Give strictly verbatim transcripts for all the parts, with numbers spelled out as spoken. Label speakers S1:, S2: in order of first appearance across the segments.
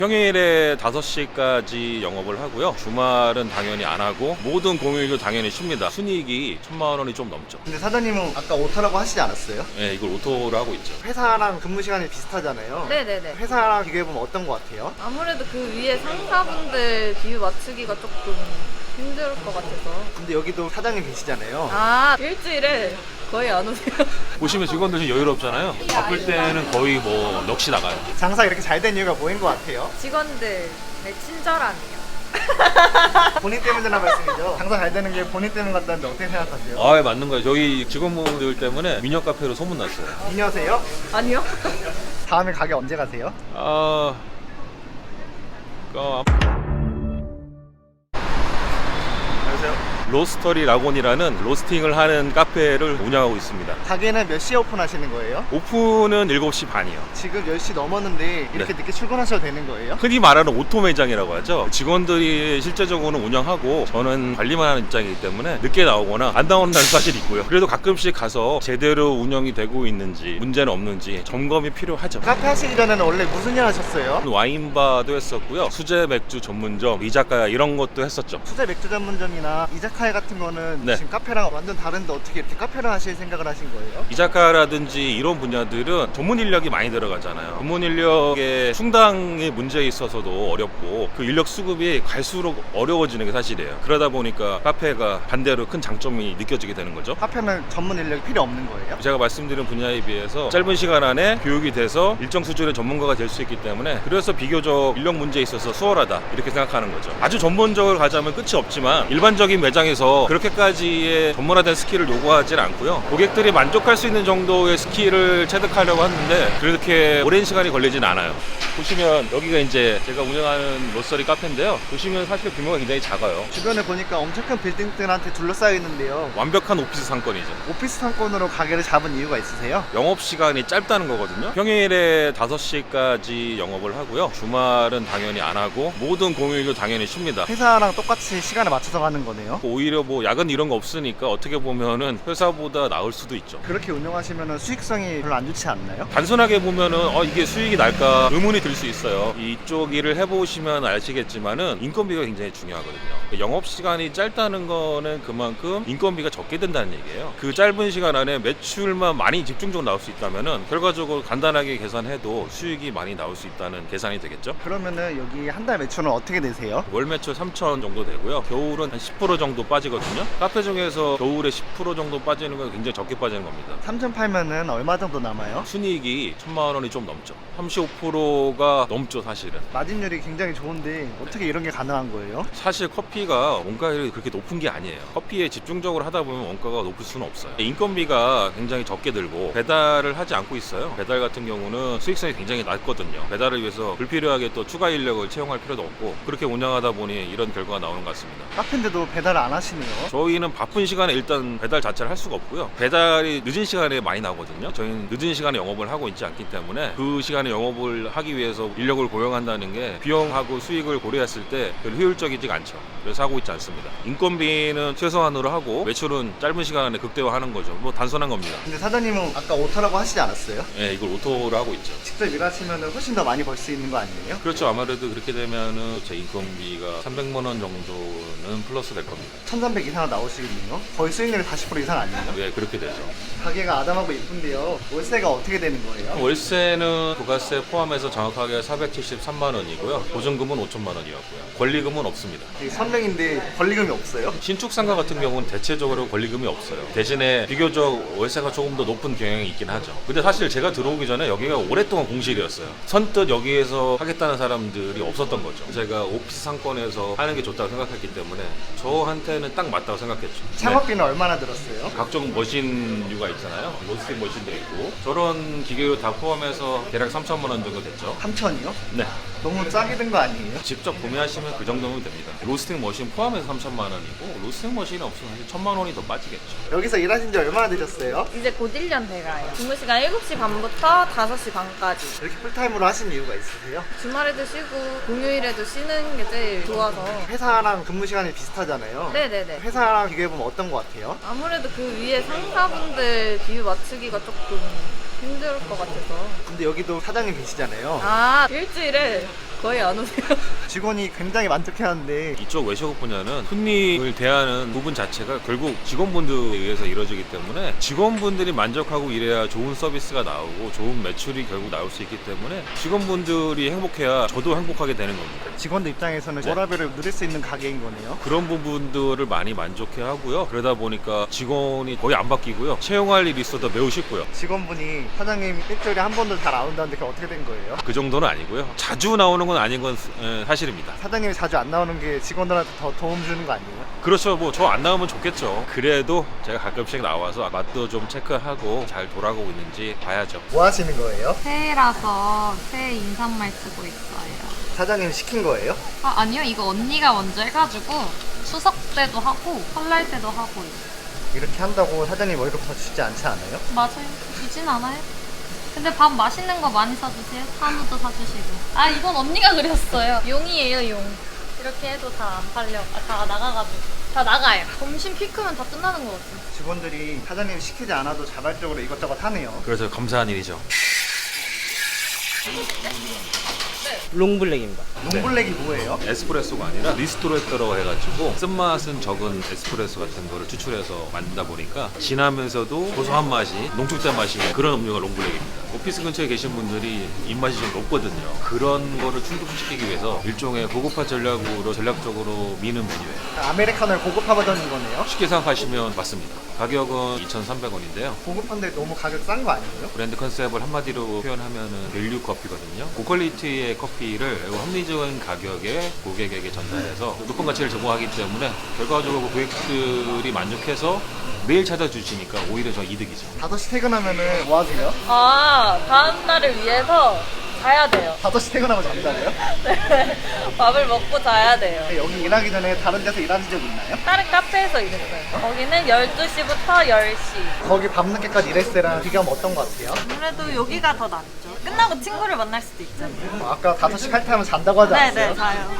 S1: 평일에 다섯 시까지 영업을 하고요. 주말은 당연히 안 하고 모든 공휴일도 당연히 쉽니다. 순이익이 천만 원이 좀 넘죠.
S2: 근데 사장님은 아까 오타라고 하시지 않았어요?
S1: 네, 이걸 오토로 하고 있죠.
S2: 회사랑 근무 시간이 비슷하잖아요.
S3: 네네네.
S2: 회사랑 비교해보면 어떤 것 같아요?
S3: 아무래도 그 위에 상사분들 비유 맞추기가 조금 힘들 것 같아서.
S2: 근데 여기도 사장님 계시잖아요.
S3: 아, 일주일에 거의 안 오세요.
S1: 보시면 직원들 좀 여유롭잖아요. 바쁠 때는 거의 뭐 넋이 나가요.
S2: 장사 이렇게 잘 된 이유가 뭐인 것 같아요?
S3: 직원들 네, 친절함이요.
S2: 본인 때문이라 말씀이죠. 장사 잘 되는 게 본인 때문 같다는데 어떻게 생각하세요?
S1: 아, 맞는 거예요. 저희 직원분들 때문에 미녀 카페로 소문났어요.
S2: 미녀세요?
S3: 아니요.
S2: 다음에 가게 언제 가세요?
S1: 아, 어,
S2: 안녕하세요.
S1: 로스터리 라곤이라는 로스팅을 하는 카페를 운영하고 있습니다.
S2: 가게는 몇 시에 오픈하시는 거예요?
S1: 오픈은 일곱 시 반이요.
S2: 지금 열 시 넘었는데 이렇게
S1: 네.
S2: 늦게 출근하셔도 되는 거예요?
S1: 흔히 말하는 오토 매장이라고 하죠. 직원들이 실제적으로는 운영하고 저는 관리만 하는 입장이기 때문에 늦게 나오거나 안 나온다는 사실이 있고요. 그래도 가끔씩 가서 제대로 운영이 되고 있는지 문제는 없는지 점검이 필요하죠.
S2: 카페 하시기 전에는 원래 무슨 일 하셨어요?
S1: 와인바도 했었고요. 수제 맥주 전문점, 이자카야 이런 것도 했었죠.
S2: 수제 맥주 전문점이나 이자카야 같은 거는
S1: 네.
S2: 지금 카페랑 완전 다른데 어떻게 이렇게 카페를 하실 생각을 하신 거예요?
S1: 이자카라든지 이런 분야들은 전문 인력이 많이 들어가잖아요. 전문 인력의 충당의 문제에 있어서도 어렵고 그 인력 수급이 갈수록 어려워지는 게 사실이에요. 그러다 보니까 카페가 반대로 큰 장점이 느껴지게 되는 거죠.
S2: 카페는 전문 인력이 필요 없는 거예요?
S1: 제가 말씀드린 분야에 비해서 짧은 시간 안에 교육이 돼서 일정 수준의 전문가가 될 수 있기 때문에 그래서 비교적 인력 문제에 있어서 수월하다 이렇게 생각하는 거죠. 아주 전문적으로 가자면 끝이 없지만 일반적인 매장에서 그렇게까지의 전문화된 스킬을 요구하지는 않고요. 고객들이 만족할 수 있는 정도의 스킬을 체득하려고 하는데 그렇게 오랜 시간이 걸리진 않아요. 보시면 여기가 이제 제가 운영하는 로스터리 카페인데요. 보시면 사실 규모가 굉장히 작아요.
S2: 주변에 보니까 엄청 큰 빌딩들한테 둘러싸여 있는데요.
S1: 완벽한 오피스 상권이죠.
S2: 오피스 상권으로 가게를 잡은 이유가 있으세요?
S1: 영업시간이 짧다는 거거든요. 평일에 다섯 시까지 영업을 하고요. 주말은 당연히 안 하고 모든 공휴일도 당연히 쉽니다.
S2: 회사랑 똑같이 시간에 맞춰서 가는 거네요.
S1: 오히려 뭐 야근 이런 거 없으니까 어떻게 보면은 회사보다 나을 수도 있죠.
S2: 그렇게 운영하시면 수익성이 별로 안 좋지 않나요?
S1: 단순하게 보면은 어 이게 수익이 날까 의문이 들 수 있어요. 이쪽 일을 해보시면 아시겠지만은 인건비가 굉장히 중요하거든요. 영업 시간이 짧다는 거는 그만큼 인건비가 적게 든다는 얘기예요. 그 짧은 시간 안에 매출만 많이 집중적으로 나올 수 있다면은 결과적으로 간단하게 계산해도 수익이 많이 나올 수 있다는 계산이 되겠죠.
S2: 그러면은 여기 한 달 매출은 어떻게 되세요?
S1: 월 매출 삼천 정도 되고요. 겨울은 한 십 퍼센트 정도 빠지거든요. 카페 중에서 겨울에 십 퍼센트 정도 빠지는 건 굉장히 적게 빠지는 겁니다.
S2: 삼천 팔면은 얼마 정도 남아요?
S1: 순이익이 천만 원이 좀 넘죠. 삼십오 퍼센트가 넘죠, 사실은.
S2: 마진율이 굉장히 좋은데 어떻게 이런 게 가능한 거예요?
S1: 사실 커피가 원가율이 그렇게 높은 게 아니에요. 커피에 집중적으로 하다 보면 원가가 높을 수는 없어요. 인건비가 굉장히 적게 들고 배달을 하지 않고 있어요. 배달 같은 경우는 수익성이 굉장히 낮거든요. 배달을 위해서 불필요하게 또 추가 인력을 채용할 필요도 없고 그렇게 운영하다 보니 이런 결과가 나오는 것 같습니다.
S2: 카페인데도 배달을 안 하시네요.
S1: 저희는 바쁜 시간에 일단 배달 자체를 할 수가 없고요. 배달이 늦은 시간에 많이 나오거든요. 저희는 늦은 시간에 영업을 하고 있지 않기 때문에 그 시간에 영업을 하기 위해서 인력을 고용한다는 게 비용하고 수익을 고려했을 때 별 효율적이지 않죠. 그래서 하고 있지 않습니다. 인건비는 최소한으로 하고 매출은 짧은 시간 안에 극대화하는 거죠. 뭐 단순한 겁니다.
S2: 근데 사장님은 아까 오타라고 하시지 않았어요?
S1: 네, 이걸 오토로 하고 있죠.
S2: 직접 일하시면 훨씬 더 많이 벌 수 있는 거 아니에요?
S1: 그렇죠. 아무래도 그렇게 되면은 제 인건비가 삼백만 원 정도는 플러스 될 겁니다.
S2: 천삼백 이상 나오시겠네요? 거의 수익률이 사십 퍼센트 이상 아니에요?
S1: 네, 그렇게 되죠.
S2: 가게가 아담하고 이쁜데요. 월세가 어떻게 되는 거예요?
S1: 월세는 부가세 포함해서 정확하게 사백칠십삼만 원이고요. 보증금은 오천만 원이었고요. 권리금은 없습니다.
S2: 되게 선명인데 권리금이 없어요?
S1: 신축 상가 같은 경우는 대체적으로 권리금이 없어요. 대신에 비교적 월세가 조금 더 높은 경향이 있긴 하죠. 근데 사실 제가 들어오기 전에 여기가 오랫동안 공실이었어요. 선뜻 여기에서 하겠다는 사람들이 없었던 거죠. 제가 오피스 상권에서 하는 게 좋다고 생각했기 때문에 저한테는 딱 맞다고 생각했죠.
S2: 창업비는 얼마나 들었어요?
S1: 네. 각종 머신류가 있잖아요. 로스팅 머신도 있고 저런 기계로 다 포함해서 대략 삼천만 원 정도 됐죠.
S2: 삼천이요?
S1: 네.
S2: 너무 싸게 든 거 아니에요?
S1: 직접 구매하시면 그 정도면 됩니다. 로스팅 머신 포함해서 삼천만 원이고 로스팅 머신이 없으면 사실 천만 원이 더 빠지겠죠.
S2: 여기서 일하신 지 얼마나 되셨어요?
S3: 이제 곧 일 년 돼가요. 근무 시간 일곱 시 반부터 다섯 시 반까지.
S2: 이렇게 풀타임으로 하신 이유가 있으세요?
S3: 주말에도 쉬고 공휴일에도 쉬는 게 제일 좋아서.
S2: 회사랑 근무 시간이 비슷하잖아요.
S3: 네네네.
S2: 회사랑 비교해보면 어떤 것 같아요?
S3: 아무래도 그 위에 상사분들 비유 맞추기가 조금 힘들 것 같아서.
S2: 근데 여기도 사장님 계시잖아요.
S3: 아, 일주일에 거의 안 오세요.
S2: 직원이 굉장히 만족해하는데
S1: 이쪽 외식업 분야는 손님을 대하는 부분 자체가 결국 직원분들에 의해서 이루어지기 때문에 직원분들이 만족하고 이래야 좋은 서비스가 나오고 좋은 매출이 결국 나올 수 있기 때문에 직원분들이 행복해야 저도 행복하게 되는 겁니다.
S2: 직원들 입장에서는 워라밸을 누릴 수 있는 가게인 거네요.
S1: 그런 부분들을 많이 만족해 하고요. 그러다 보니까 직원이 거의 안 바뀌고요. 채용할 일이 있어도 매우 쉽고요.
S2: 직원분이 사장님 일주일에 한 번도 잘 안 온다는데 그게 어떻게 된 거예요?
S1: 그 정도는 아니고요. 자주 나오는 건 아닌 건 에, 사실입니다.
S2: 사장님이 자주 안 나오는 게 직원들한테 더 도움 주는 거 아니에요?
S1: 그렇죠. 뭐 저 안 나오면 좋겠죠. 그래도 제가 가끔씩 나와서 맛도 좀 체크하고 잘 돌아가고 있는지 봐야죠.
S2: 뭐 하시는 거예요?
S3: 새해라서 새해 인사말 쓰고 있어요.
S2: 사장님이 시킨 거예요?
S3: 아, 아니요. 이거 언니가 먼저 해가지고 추석 때도 하고 설날 때도 하고 있어요.
S2: 이렇게 한다고 사장님 월급 더 주지 않지 않아요?
S3: 맞아요. 주진 않아요. 근데 밥 맛있는 거 많이 사주세요. 한우도 사주시고. 아, 이건 언니가 그렸어요. 용이에요, 용. 이렇게 해도 다 안 팔려. 아, 다 나가가지고. 다 나가요. 점심 피크면 다 끝나는 것 같아요.
S2: 직원들이 사장님이 시키지 않아도 자발적으로 이것저것 하네요.
S1: 그래서 감사한 일이죠.
S4: 롱블랙입니다.
S2: 롱블랙이 뭐예요?
S1: 에스프레소가 아니라 리스토레터라고 해가지고 쓴맛은 적은 에스프레소 같은 거를 추출해서 만들다 보니까 진하면서도 고소한 맛이 농축된 맛이 그런 음료가 롱블랙입니다. 오피스 근처에 계신 분들이 입맛이 좀 높거든요. 그런 거를 충족시키기 위해서 일종의 고급화 전략으로 전략적으로 미는 메뉴예요.
S2: 아메리카노를 고급화 버전인 거네요.
S1: 쉽게 생각하시면 맞습니다. 가격은 이천삼백 원인데요.
S2: 고급한데 너무 가격 싼 거 아니에요?
S1: 브랜드 컨셉을 한마디로 표현하면은 밸류 커피거든요. 고퀄리티의 커피를 매우 합리적인 가격에 고객에게 전달해서 높은 가치를 제공하기 때문에 결과적으로 고객들이 만족해서 매일 찾아주시니까 오히려 저 이득이죠.
S2: 다섯 시 퇴근하면은 뭐 하세요?
S3: 아, 다음 날을 위해서 자야 돼요.
S2: 다섯 시 퇴근하고 잠자래요?
S3: 네. 밥을 먹고 자야 돼요.
S2: 여기 일하기 전에 다른 데서 일하신 적 있나요?
S3: 다른 카페에서 일했어요. 거기는 열두 시부터 열 시.
S2: 거기 밤늦게까지 일했을 때랑 비교하면 어떤 것 같아요?
S3: 아무래도 여기가 더 낫죠. 끝나고 친구를 만날 수도 있잖아요.
S2: 어, 아까 다섯 시 칼퇴하면 잔다고 하지 않았어요?
S3: 네네, 자요.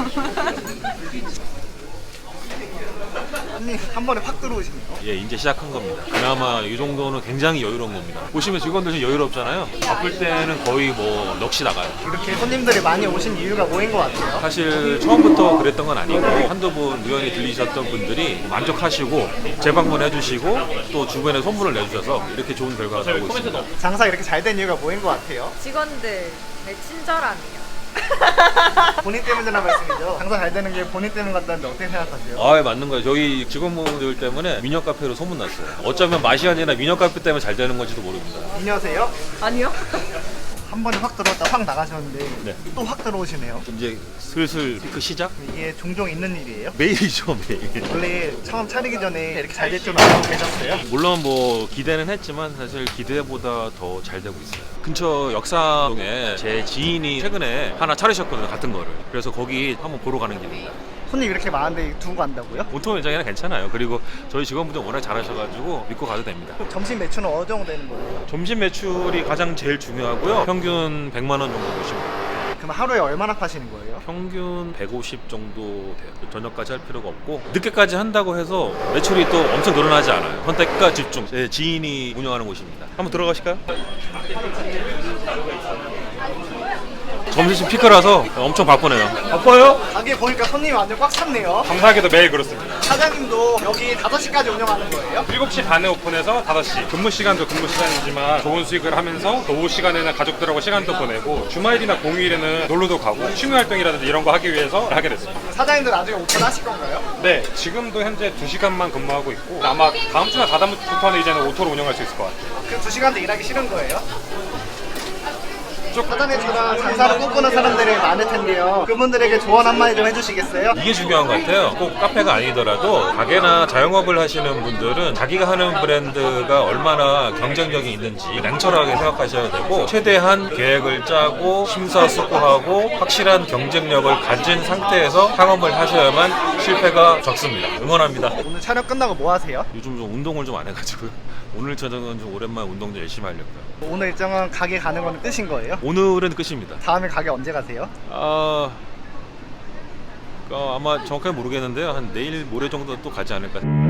S2: 언니 한 번에 확 들어오시네요.
S1: 예, 이제 시작한 겁니다. 그나마 이 정도는 굉장히 여유로운 겁니다. 보시면 직원들 좀 여유롭잖아요. 바쁠 때는 거의 뭐 넋이 나가요.
S2: 이렇게 손님들이 많이 오신 이유가 뭐인 것 같아요?
S1: 사실 처음부터 그랬던 건 아니고 한두 분 우연히 들리셨던 분들이 만족하시고 재방문해 주시고 또 주변에 소문을 내주셔서 이렇게 좋은 결과가 나오고 있습니다.
S2: 장사 이렇게 잘 된 이유가 뭐인 것 같아요?
S3: 직원들의 친절함이요.
S2: 본인 때문이라는 말씀이죠. 장사 잘 되는 게 본인 때문 같다는데 어떻게 생각하세요?
S1: 아, 맞는 거예요. 저희 직원분들 때문에 미녀 카페로 소문났어요. 어쩌면 맛이 아니라 미녀 카페 때문에 잘 되는 건지도 모릅니다.
S2: 미녀세요?
S3: 아니요.
S2: 한 번에 확 들어왔다 확 나가셨는데
S1: 네.
S2: 또 확 들어오시네요.
S1: 이제 슬슬 피크 시작?
S2: 이게 종종 있는 일이에요?
S1: 매일이죠, 매일.
S2: 원래 처음 차리기 전에 이렇게 잘 될 줄은 알고 계셨어요?
S1: 물론 뭐 기대는 했지만 사실 기대보다 더 잘 되고 있어요. 근처 역사동에 제 지인이 최근에 하나 차리셨거든요, 같은 거를. 그래서 거기 한번 보러 가는 길입니다.
S2: 손님 이렇게 많은데 두고 간다고요?
S1: 보통 매장이나 괜찮아요. 그리고 저희 직원분들 워낙 잘하셔가지고 믿고 가도 됩니다.
S2: 점심 매출은 어느 정도 되는 거예요?
S1: 점심 매출이 가장 제일 중요하고요. 평균 백만 원 정도 보시면 돼요.
S2: 그럼 하루에 얼마나 파시는 거예요?
S1: 평균 백오십 정도 돼요. 저녁까지 할 필요가 없고 늦게까지 한다고 해서 매출이 또 엄청 늘어나지 않아요. 선택과 집중. 제 지인이 운영하는 곳입니다. 한번 들어가실까요? 점심 피크라서 엄청 바쁘네요. 바빠요?
S2: 가게 보니까 손님이 완전 꽉 찼네요.
S5: 감사하게도 매일 그렇습니다.
S2: 사장님도 여기 다섯 시까지 운영하는 거예요?
S5: 일곱 시 반에 오픈해서 다섯 시. 근무 시간도 근무 시간이지만 좋은 수익을 하면서 또 오후 시간에는 가족들하고 시간도 보내고 주말이나 공휴일에는 놀러도 가고 취미 활동이라든지 이런 거 하기 위해서 하게 됐습니다.
S2: 사장님도 나중에 오픈하실 건가요?
S5: 네, 지금도 현재 두 시간만 근무하고 있고 아마 다음 주나 다다음부터는 이제는 오토로 운영할 수 있을 것 같아요.
S2: 그 두 시간도 일하기 싫은 거예요? 사장님처럼 장사를 꿈꾸는 사람들이 많을 텐데요. 그분들에게 조언 한마디 좀 해주시겠어요?
S1: 이게 중요한 것 같아요. 꼭 카페가 아니더라도 가게나 자영업을 하시는 분들은 자기가 하는 브랜드가 얼마나 경쟁력이 있는지 냉철하게 생각하셔야 되고 최대한 계획을 짜고 심사숙고하고 확실한 경쟁력을 가진 상태에서 창업을 하셔야만 실패가 적습니다. 응원합니다.
S2: 오늘 촬영 끝나고 뭐 하세요?
S1: 요즘 좀 운동을 좀 안 해가지고요. 오늘 저녁은 좀 오랜만에 운동 좀 열심히 하려고요.
S2: 오늘 일정은 가게 가는 거는 끝인 거예요?
S1: 오늘은 끝입니다.
S2: 다음에 가게 언제 가세요?
S1: 아... 어, 아마 정확하게 모르겠는데요. 한 내일 모레 정도 또 가지 않을까.